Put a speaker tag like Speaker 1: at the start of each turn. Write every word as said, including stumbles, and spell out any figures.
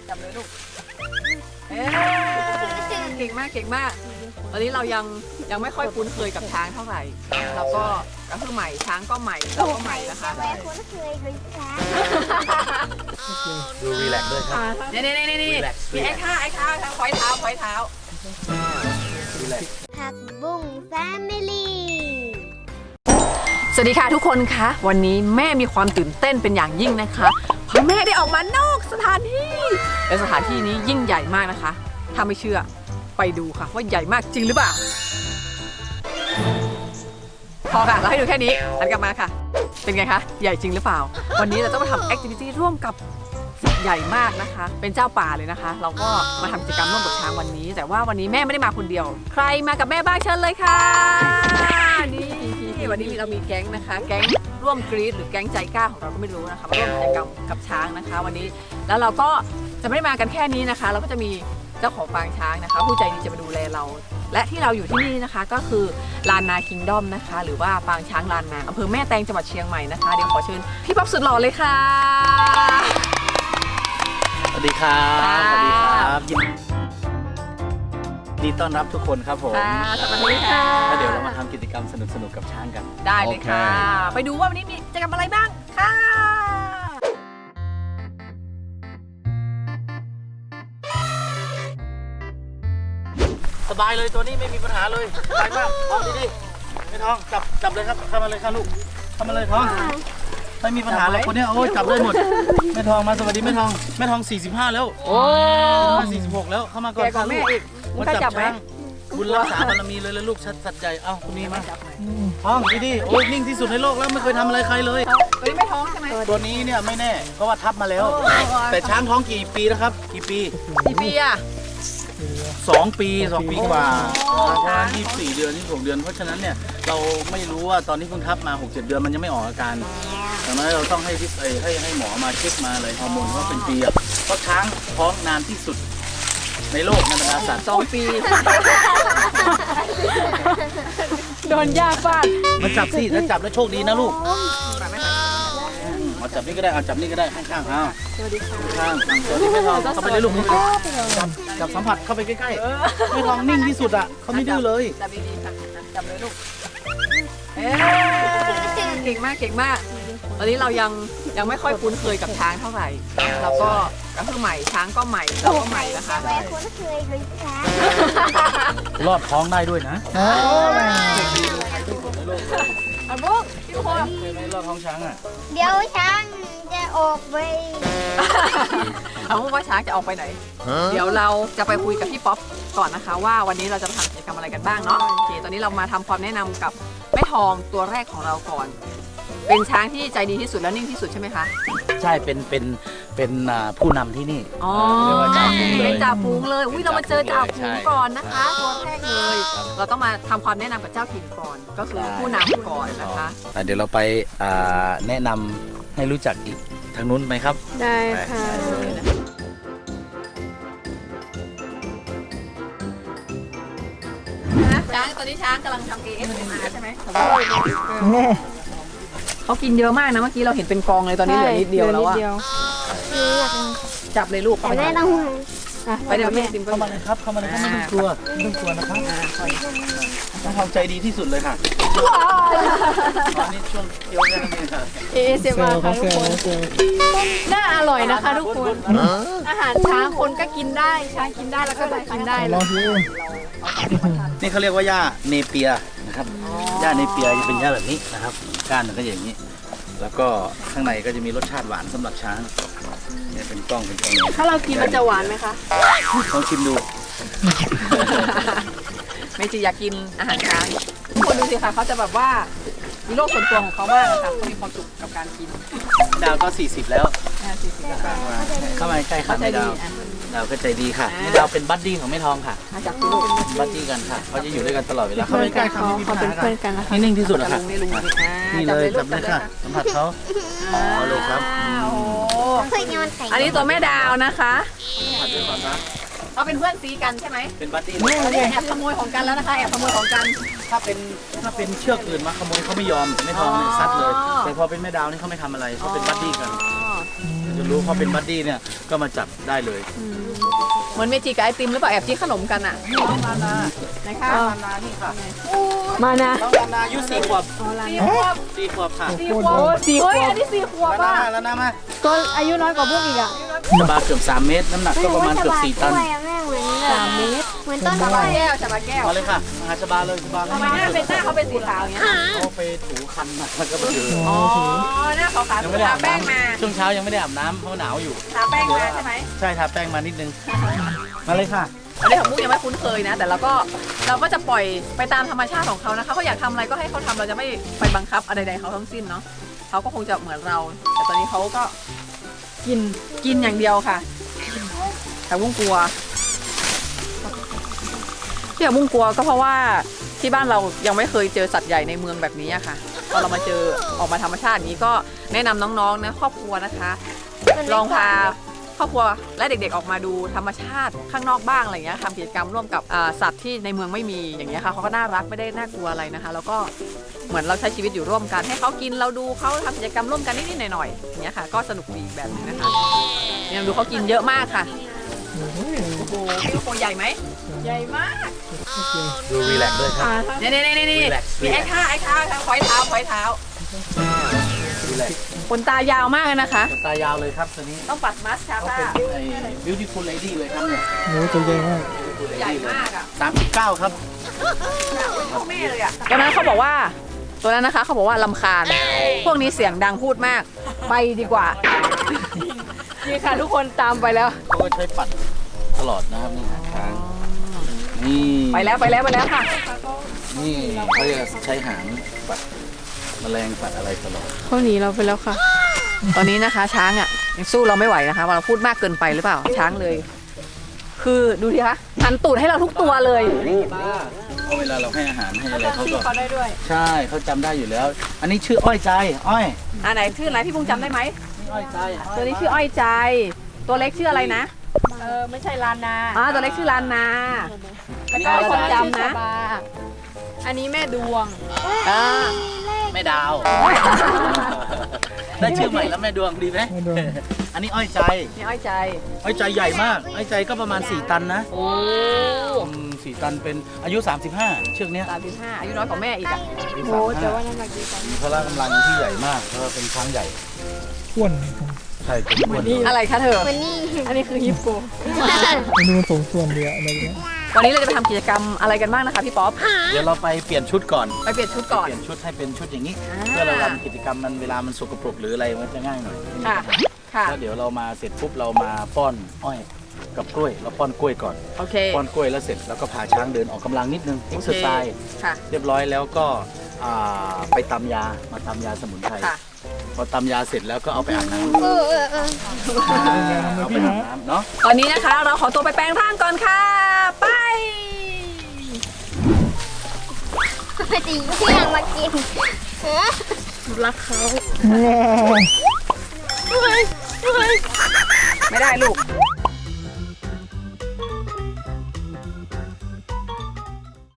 Speaker 1: จับเลยลูกเอ๊เก่งมากเก่งมากตอนนี้เรายังยังไม่ค่อยคุ้นเคยกับช้างเท่าไหร่แล้วก็ก็คือใหม่ช้างก็ใหม่เราก็ใหม่นะคะ
Speaker 2: ไม่คุ้นเคยเลยช้าง
Speaker 3: ดูรีแลกซ์ด้วยครับ
Speaker 1: นี่นี่นี่นี่มีไอ้ข้าไอ้ข้าพอยเท้าพอยเท้า
Speaker 3: รีแลกซ์
Speaker 2: ผักบุ้งแฟมิลี่
Speaker 1: สวัสดีค่ะทุกคนคะวันนี้แม่มีความตื่นเต้นเป็นอย่างยิ่งนะคะเพราะแม่ได้ออกมานอกสถานที่และสถานที่นี้ยิ่งใหญ่มากนะคะถ้าไม่เชื่อไปดูค่ะว่าใหญ่มากจริงหรือเปล่าพอค่ะเราให้ดูแค่นี้หันกลับมาค่ะเป็นไงคะใหญ่จริงหรือเปล่าวันนี้เราต้องมาทำแอคทิวิตี้ร่วมกับสัตว์ใหญ่มากนะคะเป็นเจ้าป่าเลยนะคะเราก็มาทำกิจกรรมร่วมกับช้างวันนี้แต่ว่าวันนี้แม่ไม่ได้มาคนเดียวใครมากับแม่บ้างเชิญเลยค่ะนี่วันนี้เรามีแก๊งนะคะแก๊งร่วมกรี๊ดหรือแก๊งใจกล้าของเราก็ไม่รู้นะคะมาร่วมกิจกรรมกับช้างนะคะวันนี้แล้วเราก็จะไม่ได้มากันแค่นี้นะคะเราก็จะมีเจ้าของปางช้างนะคะผู้ใจดีจะมาดูแลเราและที่เราอยู่ที่นี่นะคะก็คือลานนาคิงดอมนะคะหรือว่าปางช้างลานนาอำเภอแม่แตงจังหวัดเชียงใหม่นะคะเดี๋ยวขอเชิญพี่ป๊อปสุดหล่อเลยค่ะ
Speaker 3: สวัสดีครับสวัสดีครับยินดีต้อนรับทุกคนครับผม
Speaker 1: สวัสดีค่ะ
Speaker 3: แล้วเดี๋ยวเรามาทำกิจกรรมสนุกๆกับช้างกัน
Speaker 1: ได้เลยค่ะไปดูว่าวันนี้มีกิจกรรมอะไรบ้างค่ะ
Speaker 3: สบายเลยตัวนี้ไม่มีปัญหาเลยสบายมากท้องดีๆไม่ท้องจับจับเลยครับเข้ามาเลยค่ะลูกเข้ามาเลยท้องไม่มีปัญหาแล้วคนนี้โอ้ยจับได้หมดแม่ทองมาสวัสดีแม่ทองแม่ทองสี่สิบห้าแล้วโอ้สี่สิบหกแล้วเข้ามาก่อนค่ะลูกมาจับช้างบุญรักษาบารมีเลยแล้วลูกชัดสัจใจเอ้าคุณนี่มาท้องดีๆโอ้ยนิ่งที่สุดในโลกแล้วไม่เคยทำอะไรใครเลย
Speaker 1: ตัวนี้ไม่ท้องใช่ไหม
Speaker 3: ตัวนี้เนี่ยไม่แน่เพราะว่าทับมาแล้วแต่ช้างท้องกี่ปีแล้วครับกี่ปี
Speaker 1: กี่ปีอะ
Speaker 3: สองปีสองปีกว่าประมาณยี่สิบสี่เดือนยี่สิบหกเดือนเพราะฉะนั้นเนี่ยเราไม่รู้ว่าตอนที่เพิ่งทับมาหกเจ็ดเดือนมันยังไม่ออกอาการดังนั้นเราต้องให้ที่ให้ให้หมอมาเช็คมาเลยฮอร์โมนว่าเป็นปีอ่ะเพราะช้างท้องนานที่สุดในโลกในบรรดาสัตว์
Speaker 1: สองปีโดนยาฟาด
Speaker 3: มาจับสิถ้าจับแล้วโชคดีนะลูกมาจับนี่ก็ได้เอาจับนี่ก็ได้ข้างๆอ้าว
Speaker 1: สวัสดีค่ะ
Speaker 3: ข้างๆสวัสดีแม่ทองเข้าไปเลยลูกจับจับสัมผัสเข้าไปใกล้ๆแม่ทองนิ่งที่สุดอ่ะเขาไม่ดื้อเลย
Speaker 1: จับดีๆค่ะจับเลยลูกเอ๊เก่งมากเก่งมากตอนนี้เรายังยังไม่ค่อยคุ้นเคยกับช้างเท่าไหร่แล้วก็ก็คือใหม่ช้างก็ใหม่เราก็ใหม่นะคะ
Speaker 2: ไม่คุ้นเคยเลยช้าง
Speaker 3: รอดท้องได้ด้วยนะ
Speaker 1: อันบุ๊กพี่คน
Speaker 3: เคยไหมรอดท้องช้างอ่ะ
Speaker 2: เดี๋ยวช้างจะออกไป
Speaker 1: เอาว่าช้างจะออกไปไหนเดี๋ยวเราจะไปคุยกับพี่ป๊อปก่อนนะคะว่าวันนี้เราจะทำกิจกรรมอะไรกันบ้างเนาะโอเคตอนนี้เรามาทำความแนะนำกับแม่ทองตัวแรกของเราก่อนเป็นช้างที่ใจดีที่สุดและนิ่งที่สุดใช่ไหมคะ
Speaker 3: ใช่เป็นเป็นเป็นผู้นำที่นี่
Speaker 1: อ๋อเป็นจ่าฝูงเลยอุ้ยเรามาเจอจ่าฝูงก่อนนะคะตัวแรกเลยเราต้องมาทำความแนะนำกับเจ้าถิ่นก่อนก็คือผู้นำก่อนนะคะ
Speaker 3: เดี๋ยวเราไปแนะนำให้รู้จักอีกทางนู้นไหมครับ
Speaker 2: ได้ค่ะ
Speaker 1: ช้างตอนนี้ช้างกำลังทำ เอ เอส เอ็ม อาร์ ใช่ไหมเขากินเยอะมากนะเมื่อกี้เราเห็นเป็นกองเลยตอนนี้เหลือนิดเดียวแล้วอะจับเลยลูก
Speaker 2: ไปได้ต้อง
Speaker 1: ไปเดี๋ยวแม่ติม
Speaker 3: เข้ามาเลยครับเข้ามาเลยครับไม่ต้องกลัวไม่ต้องกลัวนะครับต้องทำใจดีที่สุดเลยค่ะตอนนี้ช่วงเที่ยวแค่นี้ค่ะ
Speaker 1: เอ เอส เอ็ม อาร์ ค่ะทุกคนน่าอร่อยนะคะทุกคนอาหารช้างคนก็กินได้ช้างกินได้แล้วก็เรากินได้เลย
Speaker 3: นี่เขาเรียกว่าหญ้าเนเปียนะครับหญ้าเนเปียจะเป็นหญ้าแบบนี้นะครับก้านมันก็อย่างนี้แล้วก็ข้างในก็จะมีรสชาติหวานสำหรับช้างเนี่ยเป็นกล้องเป็นกล้อง
Speaker 1: ถ้าเรากินมันจะหวานไหมคะ
Speaker 3: ลองชิมดู
Speaker 1: ไม่จีอยากกินอาหารช้างทุกคนดูสิคะเขาจะแบบว่ามีโลกส่วนตัวของเขามากนะคะเขามีความสุขกับการกิน
Speaker 3: ดาวก็สี่สิบแล้ว
Speaker 1: สี่สิบแล้ว
Speaker 3: เข้ามาใกล้ค่ะดาวดาวก็ใจดีค่ะดาวเป็นบัดดี้ของแม่ทองค่ะ
Speaker 1: มาจากลูก
Speaker 3: บัดดี้กันค่ะเขาจะอยู่ด้วยกันตลอดเวลาเขาไม่ใกล้ค่ะ
Speaker 1: เขาเป็นเพื่อนกันนะคะ
Speaker 3: นิ่งที่สุดอะค่ะนี่เลยจับเลยค่ะสัมผัสเขาเอาเลยครับ
Speaker 1: อันนี้ตัวแม่ดาวนะคะเขาเป็นเพื่อนซีกันใช่ไหม
Speaker 3: เป็นบัดดี้
Speaker 1: แอบขโมยของกันแล้วนะคะแอบขโมยของกัน
Speaker 3: ถ้าเป็นถ้าเป็นเชือกอื่นมาขโมยเขาไม่ยอมแม่ทองเนี่ยซัดเลยแต่พอเป็นแม่ดาวนี่เขาไม่ทำอะไรเขาเป็นบัดดี้กันจะรู้พอเป็นบัดดี้เนี่ยก็มาจับได้เลย
Speaker 1: เหมือนเมจิกับไอติมหรือเปล่าแอบจี้ขนมกันอ่ะ
Speaker 3: นี่น้องนานา
Speaker 1: นะคะ
Speaker 3: น้องนานานี่ค่ะ
Speaker 1: มานะ
Speaker 3: น้องนานาอายุสี่ขวบ
Speaker 1: สี่ขวบ
Speaker 3: สี่ขวบค่ะ
Speaker 1: สี่ขวบสี่ขวบอันนี้สี่ขวบ
Speaker 3: แล้ว
Speaker 1: อ่ะ
Speaker 3: นาแล้วนามา
Speaker 4: ก็อายุน้อยกว่าพวกอีกอ่ะ
Speaker 3: ชบาเกือบสามเมตรน้ำหนักก็ประมาณเกือบสี่ตัน
Speaker 2: แม่เหมือนสามเมตรเหมือนต้น
Speaker 1: ชา
Speaker 2: ไม้
Speaker 1: บาแก้วชาบาแก้ว
Speaker 3: มาเลยค่ะมาหาชบาเลยชบา
Speaker 1: ทำไมหน้าเป็นหน้าเขาเป็นสีขาวอย่างเงี้ย
Speaker 3: เขาไปถูคันมาแล้วก็ไปเจอ
Speaker 1: อ๋อหน้าขาวๆ
Speaker 3: ยัง
Speaker 1: คือ
Speaker 3: ไม่ได้
Speaker 1: ทา
Speaker 3: อาบ
Speaker 1: แป้ง
Speaker 3: น้
Speaker 1: มา
Speaker 3: ำช่วงเช้ายังไม่ได้อาบน้ำเพราะหนาวอยู่
Speaker 1: ทาแป้งมาใช่ไหม
Speaker 3: ใช่ทาแป้งมานิดนึงมาเลยค่ะ
Speaker 1: อันนี้ของมุกยังไม่คุ้นเคยนะ แต่เราก็เราก็จะปล่อยไปตามธรรมชาติของเขานะคะเขาอยากทำอะไรก็ให้เขาทำเราจะไม่ไปบังคับอะไรใดๆเขาทั้งสิ้นเนาะเขาก็คงจะเหมือนเรา แต่ตอนนี้เขาก็กินกินอย่างเดียวค่ะ แต่มุ้งกลัวที่แบบมุ้งกลัวก็เพราะว่าที่บ้านเรายังไม่เคยเจอสัตว์ใหญ่ในเมืองแบบนี้อะค่ะพอเรามาเจอออกมาธรรมชาติอย่างนี้ก็แนะนำน้องๆนะครอบครัวนะคะ ลองพาครอบครัวและเด็กๆออกมาดูธรรมชาติข้างนอกบ้างอะไรเงี้ยทำกิจกรรมร่วมกับอ่าสัตว์ที่ในเมืองไม่มีอย่างเงี้ยค่ะเขาก็น่ารักไม่ได้น่ากลัวอะไรนะคะ แล้วก็เหมือนเราใช้ชีวิตอยู่ร่วมกัน ให้เขากินเราดูเขาทำกิจกรรมร่วมกันนิดๆหน่อยๆอย่างเงี้ยค่ะ ก็สนุกดีอีกแบบนึงนะคะเนี่ยดูเขากินเยอะมากค่ะโอ้โหพี่ลูกโป่งใหญ่ไหมใหญ่มาก
Speaker 3: ดูรีแลกซ์ด้วยครับ
Speaker 1: นี่นี่นี่นี่
Speaker 3: Relax
Speaker 1: มีไอ้ท่าไอ้ท่าพอยเท้าพอยเท้า
Speaker 3: รีแลกซ์
Speaker 1: ขนตายาวมากเลยนะคะ
Speaker 3: ขนตายาวเลยครับตัวนี้
Speaker 1: ต้องปัดมัสคา
Speaker 3: เขา
Speaker 1: ร่า
Speaker 3: เป็นไอ้ beautiful lady เลยครับเนี่ย
Speaker 4: โอ้ตัวใหญ่มาก
Speaker 3: beautiful
Speaker 1: ใหญ่
Speaker 3: lady เลย
Speaker 1: มากอ่ะ
Speaker 3: สามสิบเก้าครับ
Speaker 1: พ่อแม่เลยอ่ะตอนนั้นเขาบอกว่าตัวนั้นนะคะเขาบอกว่าลำคาญ พวกนี้เสียงดังพูดมาก ไปดีกว่านี่ค่ะทุกคนตามไปแล้ว
Speaker 3: เขาก็ใช้ปัดตลอดนะครับนี่หางช้างนี่
Speaker 1: ไปแล้วไปแล้วไปแล้วค่ะ
Speaker 3: นี่เขาจะใช้หางปัดแมลงปัดอะไรตลอด
Speaker 4: เขาหนีเราไปแล้วค่ะ
Speaker 1: ตอนนี้นะคะ ช้างอ่ะยังสู้เราไม่ไหวนะคะว่าเราพูดมากเกินไปหรือเปล่าช้างเลย คือดูดิคะหันตูดให้เราทุกตัวเลย
Speaker 3: เพราะเวลาเราให้อาหารให้อะไรเขาก็
Speaker 1: เขาได้ด้วย
Speaker 3: ใช่เขาจำได้อยู่แล้ว อันนี้ชื่ออ้อยใจอ้อย
Speaker 1: อ่าไหนชื่ออะไรพี่พุงจำได้ไหม
Speaker 3: นี่อ้อยใจ
Speaker 1: ตัวนี้ชื่ออ้อยใจ ตัวเล็กชื่ออะไรนะ
Speaker 4: เออไม่ใช่ลานนา
Speaker 1: อ่าตัวเล็กชื่อลานนาแล้วก็คนจำนะ
Speaker 4: อันนี้แม่ดวง
Speaker 1: อ่า
Speaker 3: แม่ดาว ได้ชื่อใหม่แล้วแม่ดวงดีไหมอันนี้อ้อยใจ
Speaker 1: นี่อ้อยใจ
Speaker 3: อ้อยใจใหญ่มากอ้อยใจก็ประมาณสี่ตันนะ
Speaker 1: โอ้
Speaker 3: อืมสี่ตันเป็นอายุสามสิบห้าเชือกเนี้ย
Speaker 1: สามสิบห้าอายุน้อยกว่าแม่อีกอ่ะ
Speaker 3: อายุ
Speaker 4: โอ้
Speaker 3: สามสิบ
Speaker 4: แต่
Speaker 3: ห้า
Speaker 4: ว่าน้ำหนักดีกว่า
Speaker 3: มีพละกำลังที่ใหญ่มากเพราะว่าเป็นช้างใหญ่
Speaker 4: อ้วน
Speaker 3: ใช่ผมควร
Speaker 1: อะไรคะเธอ
Speaker 2: วันนี้
Speaker 4: อันนี้คือฮิปโปอันนี้มันสมส่วนเดียวอะไรเงี้ย
Speaker 1: วันนี้เราจะไปทำกิจกรรมอะไรกันบ้างนะคะพี่ป๊อป
Speaker 3: เดี๋ยวเราไปเปลี่ยนชุดก่อน
Speaker 1: ไปเปลี่ยนชุดก่อน
Speaker 3: เปลี่ยนชุดให้เป็นชุดอย่างนี้
Speaker 1: อ่า
Speaker 3: เพื่อเราทำกิจกรรมมันเวลามันสกปรกหรืออะไรมันจะง่ายหน่อย
Speaker 1: ค่ะ ค่ะ
Speaker 3: แล้วเดี๋ยวเรามาเสร็จปุ๊บเรามาป้อนอ้อยกับกล้วยเราป้อนกล้วยก่อน
Speaker 1: โอเค
Speaker 3: ป้อนกล้วยแล้วเสร็จแล้วก็พาช้างเดินออกกำลังนิดนึงเอ็กซ์เซอร์ไซส์
Speaker 1: ค่ะ
Speaker 3: เรียบร้อยแล้วก็อ่าไปตำยามาตำยาสมุนไพร
Speaker 1: ค่ะ
Speaker 3: พอตำยาเสร็จแล้วก็เอาไปอาบน้
Speaker 2: เออเออเออ
Speaker 3: ำเอาไปอาบน้ำเนาะ
Speaker 1: ตอนนี้นะคะเราขอตัวไปแปรงร่างก่อนค่ะ ไป
Speaker 2: พอดีเที่ยงมากินเออ
Speaker 4: รักเขา
Speaker 1: ไม่ได้ลูก